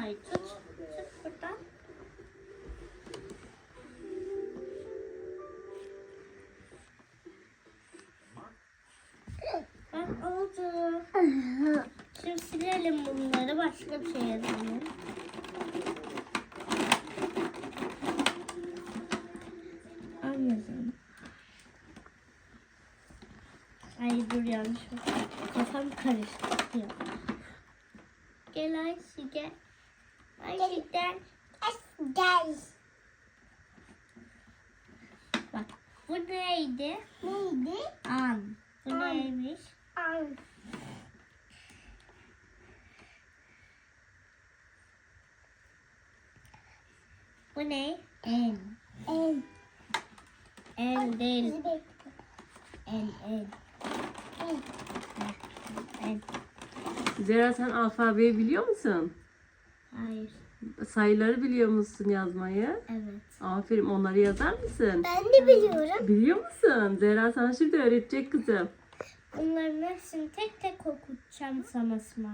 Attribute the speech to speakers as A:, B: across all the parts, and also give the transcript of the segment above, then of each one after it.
A: Simay. Tut. Tut buradan. Bak oldu. Şimdi silelim bunları. Başka bir şey yazalım. Anladım. Ay dur yanlış oldu. Kafam karıştı. Yok. Gel Ayşe gel. Ayşe gel.
B: Gel.
A: Bak bu neydi?
B: Neydi?
A: An. Bu
B: An.
A: neymiş?
B: Al.
A: Bu ne? En.
B: El.
A: En değil.
B: Bizi bekle.
A: En.
B: El.
A: En.
C: Zehra sen alfabeyi biliyor musun?
A: Hayır.
C: Sayıları biliyor musun yazmayı?
A: Evet.
C: Aferin, onları yazar mısın?
B: Ben de biliyorum.
C: Biliyor musun? Zehra sana şimdi öğretecek kızım.
A: Bunların hepsini tek tek okutacağım sana Simay.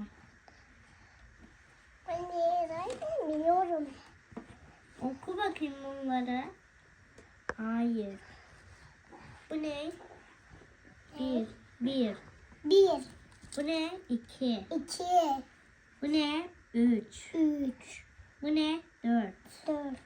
B: Ben de zaten biliyorum.
A: Oku bakayım bunları. Hayır. Bu ne? Bir. Bir.
B: Bir,
A: Bu ne? İki.
B: iki,
A: Bu ne? Üç.
B: üç,
A: Bu ne? Dört.
B: dört,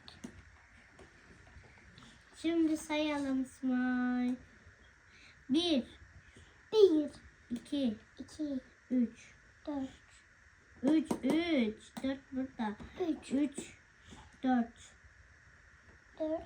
A: Şimdi sayalım Simay. Bir.
B: bir,
A: İki.
B: iki,
A: Üç.
B: dört,
A: Üç. Dört burada.
B: üç,
A: Üç. Dört.
B: dört,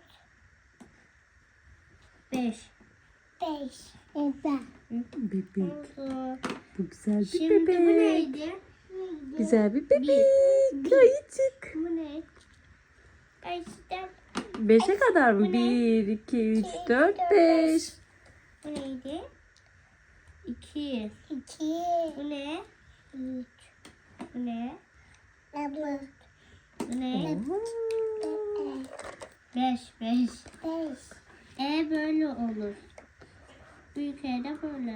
A: Beş.
B: beş. Evet.
C: Bebek.
A: Oldu.
C: Bu güzel bir
A: Şimdi
C: bebek.
A: bu neydi?
C: Güzel bir bebek. Ayıcık.
A: Bu ne? Gerçekten
C: 5'e kadar mı?
A: Bu ne?
C: 1, 2, 3, 4, 5.
A: bu neydi? İki.
B: İki,
A: Bu ne?
B: üç,
A: Bu ne?
B: dört,
A: Bu ne?
B: beş,
A: Beş.
B: beş.
A: Böyle olur. Büyük E de böyle.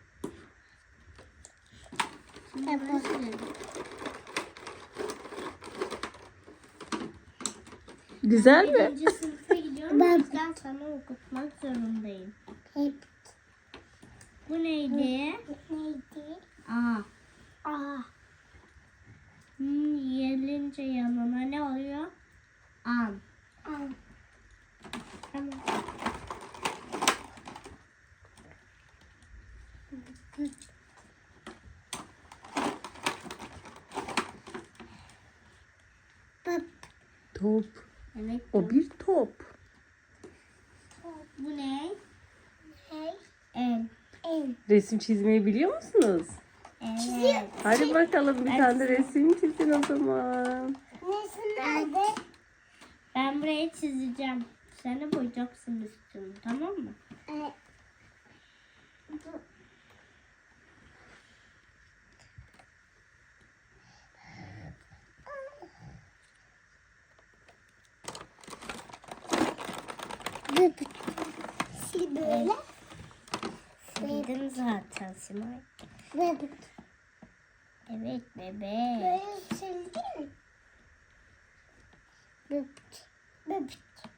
A: Şimdi böyle silelim.
C: Güzel mi?
A: Birinci sınıfa gidiyorum.
B: Ben-
A: O yüzden sana okutmak zorundayım.
B: Hep.
A: Bu neydi?
B: Neydi?
A: A.
B: A,
A: Gelince yanına ne oluyor? An.
B: al,
A: Tamam.
B: pıp,
C: Top.
A: Evet.
C: O bir top.
A: Bu ne?
B: hey,
A: El.
B: el.
C: Resim çizmeyi biliyor musunuz?
A: Evet.
C: Hadi bakalım bir tane de resim çizin o zaman.
B: Nesi nerede?
A: Ben burayı çizeceğim. Sen de boyayacaksın üstünü, tamam mı?
B: E, pıp. Sil böyle.
A: Bildin zaten Simay.
B: Pıp.
A: Evet bebek.
B: Böyle sildin mi? Pıp. Pıp.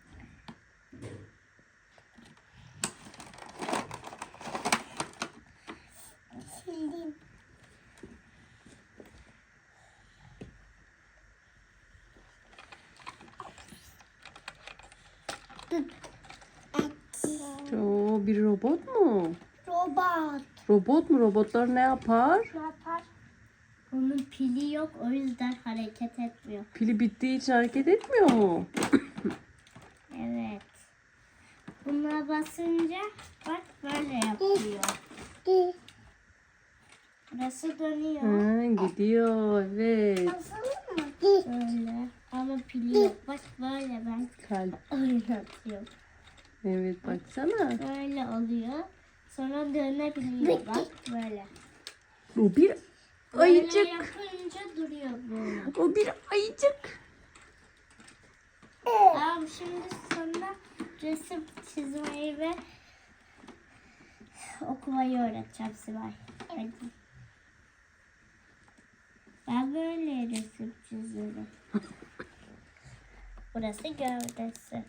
B: Sildim. Pıp. Et.
C: Oo, bir robot mu?
B: Robot.
C: Robot mu? Robotlar ne yapar?
B: Ne yapar?
A: Onun pili yok, o yüzden hareket etmiyor.
C: Pili bittiği için hareket etmiyor mu?
A: Evet. Buna basınca bak böyle yapıyor.
B: Di.
A: Burası dönüyor.
C: Ha, gidiyor evet.
B: Basalım mı? Di.
A: Böyle. Ama pili yok. Bak böyle ben
C: Kalp.
A: oynatıyorum.
C: Evet baksana.
A: Böyle oluyor. Sonra dönebiliyor. Bak böyle.
C: O bir
A: Böyle
C: ayıcık.
A: yapınca duruyor böyle.
C: O bir ayıcık.
A: Tamam şimdi sana resim çizmeyi ve okumayı öğreteceğim Sibel. Hadi. Ben böyle resim çizelim. Burası gövdesi.